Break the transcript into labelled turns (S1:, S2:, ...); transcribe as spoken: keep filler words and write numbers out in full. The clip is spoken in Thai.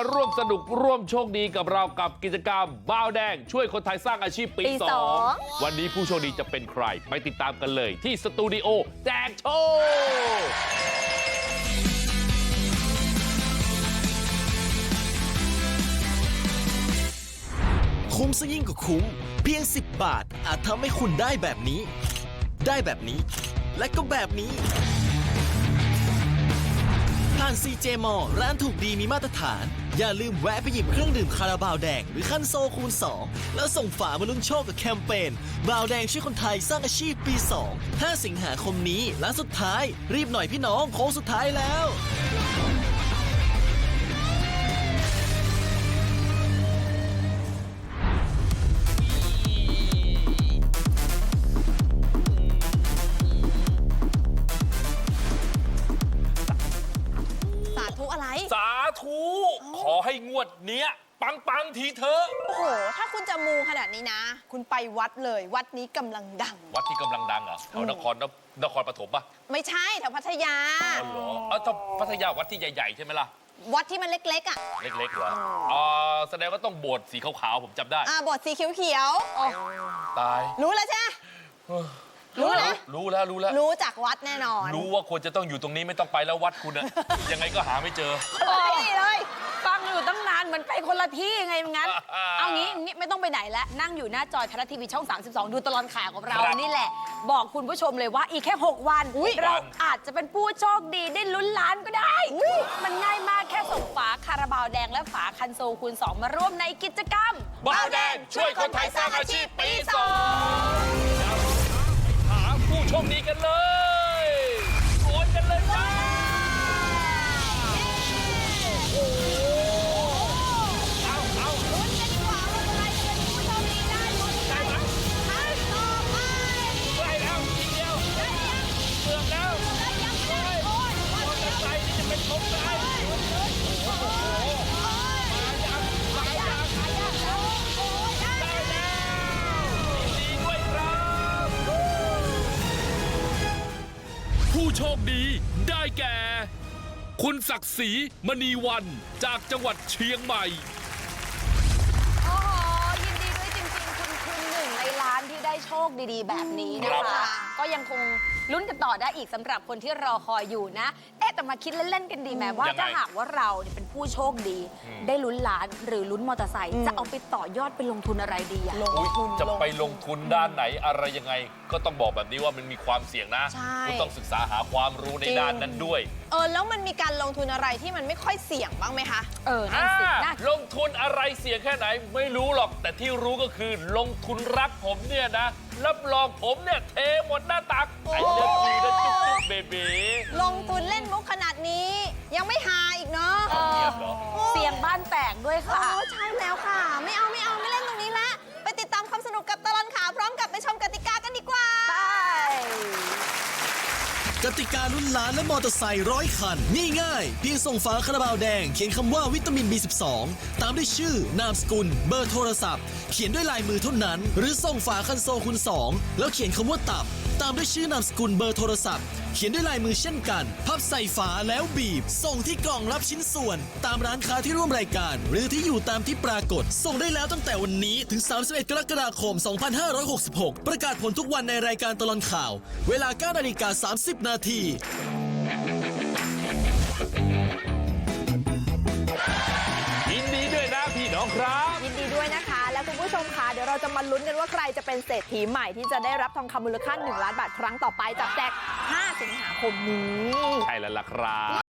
S1: ร่วมสนุกร่วมโชคดีกับเรากับกิจกรรมบ้าวแดงช่วยคนไทยสร้างอาชีพปีสองวันนี้ผู้โชคดีจะเป็นใครไปติดตามกันเลยที่สตูดิโอแจกโชค
S2: คุ้มซะยิ่งกว่าคุ้มเพียงสิบบาทอาจทำให้คุณได้แบบนี้ได้แบบนี้และก็แบบนี้ผ่าน ซี เจ มอลล์ ร้านถูกดีมีมาตรฐานอย่าลืมแวะไปหยิบเครื่องดื่มคาราบาวแดงหรือคันโซคูณสองแล้วส่งฝามาลุ้นโชคกับแคมเปญบาวแดงช่วยคนไทยสร้างอาชีพปีสอง ห้าสิงหาคมนี้ร้านสุดท้ายรีบหน่อยพี่น้องโค้งสุดท้ายแล้ว
S1: สาธุขอให้งวดเนี้ยปังปังทีเถอะ
S3: โอ้โหถ้าคุณจะมูขนาดนี้นะคุณไปวัดเลยวัดนี้กำลังดัง
S1: วัดที่กำลังดังเหรอแถวนครนครปฐมป่ะ
S3: ไม่ใช่แถวพัทยา
S1: อ๋อเหรอเออถ้าพัทยาวัดที่ใหญ่ๆใช่ไหมล่ะ
S3: วัดที่มันเล็กๆอ่ะ
S1: เล็กๆเหรออ๋อแสดงว่าต้องโบสถ์สีขาวๆผมจำได้
S3: อ่าโบสถ์สีเขียว
S1: ๆตาย
S3: รู้แล้วใช่ไหมรู้แล้ว
S1: รู้แล้วรู้แล้ว
S3: รู้จากวัดแน่นอน
S1: รู้ว่าควรจะต้องอยู่ตรงนี้ไม่ต้องไปแล้ววัดคุณอะยังไงก็หาไม่เจอ
S3: นี่เลย
S4: ฟังอยู่ตั้งนานเหมือนไปคนละที่ไงงั้นเอางี้ไม่ต้องไปไหนแล้วนั่งอยู่หน้าจอไทยรัฐทีวีช่องสามสิบสองดูตลอดข่าวกับเรานี่แหละบอกคุณผู้ชมเลยว่าอีกแค่หกวันเราอาจจะเป็นผู้โชคดีได้ลุ้นล้านก็ได้มันง่ายมากแค่ส่งฝาคาราบาวแดงและฝาคันโซคูณสองมาร่วมในกิจกรรม
S1: บ้าวแดงช่วยคนไทยสร้างอาชีพปีสองผู้โชคดีกันเลยโอนกันเลยจ้าโอ้เอาเอาลุ้นกันดีกว่าว่าใครจะเป็นผู้โชคดีได้หมดได้ไหมท่านต่อไปได้แล้วทีเดียวได้ยังเกือบแล้วได้ยังไม่ได้โอนมอเตอร์ไซค์นี่จะเป็นของใครโอ้โหมายังมายังมายังโอ้ยได้แล้วยินดีด้วยครับผู้โชคดีได้แก่คุณศักดิ์ศรีมณีวันจากจังหวัดเชียงใหม่
S4: โอ้โหยินดีด้วยจริงๆคุณคือหนึ่งในล้านที่ได้โชคดีๆแบบนี้นะคะก็ยังคงลุ้นกันต่อได้อีกสำหรับคนที่รอคอยอยู่นะเอ๊ะแต่มาคิดเล่นๆกันดีไหมว่าถ้าหากว่าเราเนี่ยเป็นผู้โชคดีได้ลุ้นล้านหรือลุ้นมอเตอร์ไซค์จะเอาไปต่อยอดไปลงทุนอะไรดีอะ
S1: ลงทุนจะไปลงทุนด้านไหนอะไรยังไงก็ต้องบอกแบบนี้ว่ามันมีความเสี่ยงนะคุณต้องศึกษาหาความรู้ในด้านนั้นด้วย
S3: เออแล้วมันมีการลงทุนอะไรที่มันไม่ค่อยเสี่ยงบ้างไหมคะ
S4: เออนั่นสินะ
S1: ลงทุนอะไรเสี่ยงแค่ไหนไม่รู้หรอกแต่ที่รู้ก็คือลงทุนรักผมเนี่ยนะรับรองผมเนี่ยเทหมดหน้าตักไอ้เลิฟยูนะจุ๊บจุ๊บเบบี
S3: ลงทุนเล่นมุกขนาดนี้ยังไม่หาอีกเนาะ
S4: เสี่ยงบ้านแตกด้วยค่ะ
S3: อ๋อใช่แล้วค่ะไม่เอาไม่เอาไม่เล่นตรงนี้ละไปติดตามความสนุกกับตลอดข่าวพร้อมกับไปชมกติกากันดีกว่า
S4: ไป
S2: กติกาลุ้นล้านและมอเตอร์ไซค์ร้อยคันง่ายๆเพียงส่งฝาคาราบาวแดงเขียนคำว่าวิตามิน บี สิบสอง ตามด้วยชื่อนามสกุลเบอร์โทรศัพท์เขียนด้วยลายมือเท่านั้นหรือส่งฝาคันโซคูณสองแล้วเขียนคำว่าตับตามด้วยชื่อนามสกุลเบอร์โทรศัพท์เขียนด้วยลายมือเช่นกันพับใส่ฝาแล้วบีบส่งที่กล่องรับชิ้นส่วนตามร้านค้าที่ร่วมรายการหรือที่อยู่ตามที่ปรากฏส่งได้แล้วตั้งแต่วันนี้ถึงสามสิบเอ็ดกรกฎาคมสองพันห้าร้อยหกสิบหกประกาศผลทุกวันในรายการตลอดข่าวเวลา เก้านาฬิกาสามสิบนาที
S1: ยินดีด้วยนะพี่น้องครับ
S3: ยินดีด้วยนะคะและคุณผู้ชมค่ะเดี๋ยวเราจะมาลุ้นกันว่าใครจะเป็นเศรษฐีใหม่ที่จะได้รับทองคำมูลค่าหนึ่งล้านบาทครั้งต่อไปจากแจกห้าสิงหาคมนี้
S1: ใช่แล้วล่ะครับ